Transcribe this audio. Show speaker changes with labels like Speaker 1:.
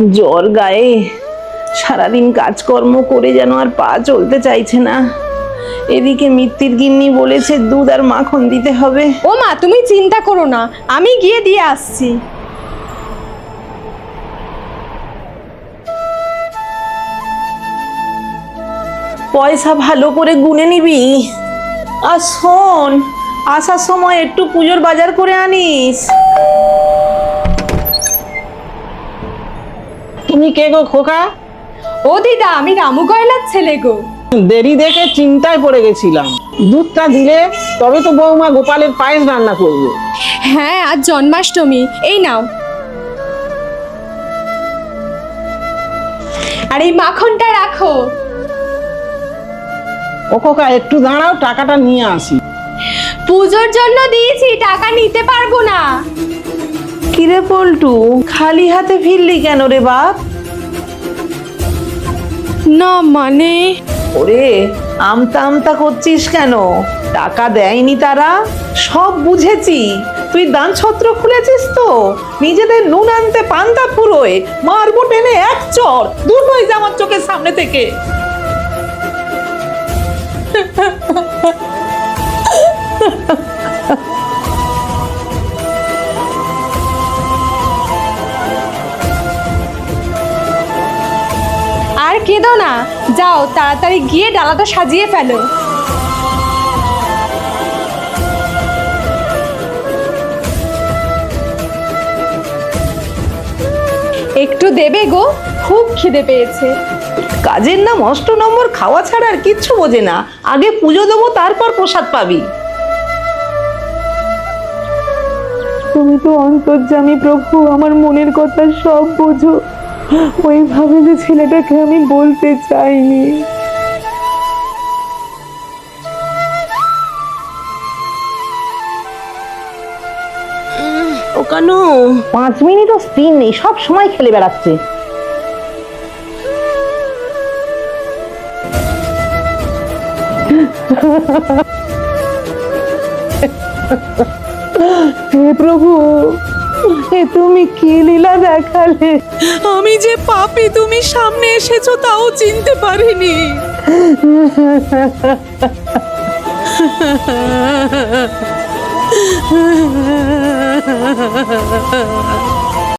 Speaker 1: জ্বর গায়ে, সারাদিন কাজকর্ম করে যেন আর পা চলতে চাইছে না। এদিকে মিত্তির গিন্নি বলেছে দুধ আর মাখন দিতে হবে।
Speaker 2: ও মা, তুমি চিন্তা করো না, আমি গিয়ে দিয়ে আসছি।
Speaker 1: পয়সা ভালো করে গুনে নিবি। আর শোন, আসার সময় একটু পুজোর বাজার করে আনিস।
Speaker 3: তুমি কে গো খোকা?
Speaker 2: ও দিদা, আমি রামু গয়লার ছেলে গো।
Speaker 3: দেরি দেখে চিন্তায় পড়ে গেছিলাম। দুধটা দিলে তবে তো বৌমা গোপালের পায়েস রান্না করবে।
Speaker 2: হ্যাঁ, আজ জন্মাষ্টমী। এই নাও। আর এই মাখনটা রাখো।
Speaker 3: ও খোকা, একটু দাঁড়াও, টাকাটা নিয়ে আসি।
Speaker 2: পুজোর জন্য দিয়েছি, টাকা নিতে পারবো না।
Speaker 1: কিরে পল্টু, খালি হাতে ফিরলি কেন রে বাপ?
Speaker 2: না মানে,
Speaker 1: ওরে, আমতা আমতা করছিস কেন? টাকা দেয়নি তারা? সব বুঝেছি। তুই দান ছত্র খুলেছিস তো, নিজেদের নুন আনতে পান্তা ফুরোয় মারবো টেনে এক চড়। দূর হয়ে যা আমার চোখের সামনে থেকে।
Speaker 2: আর কেঁদো না, যাও তাড়াতাড়ি গিয়ে ডালাটা সাজিয়ে ফেলো। একটু দেবে গো, খুব খিদে পেয়েছে।
Speaker 1: কাজের নাম ৮ নম্বর, খাওয়া ছাড়া আর কিচ্ছু বোঝে না। আগে পুজো দেবো, তারপর প্রসাদ পাবি। তুমি তো অন্তর্যামী প্রভু, আমার মনের কথা সব বোঝো। ওইভাবে যে ছেলেটাকে আমি বলতে চাইনি। ও কানু, 5 মিনিটও স্থির নেই, সব সময় খেলে বেড়াচ্ছে। হে প্রভু, এ তুমি কি লীলা দেখালে? আমি যে পাপী, তুমি সামনে এসেছো তাও চিনতে পারিনি।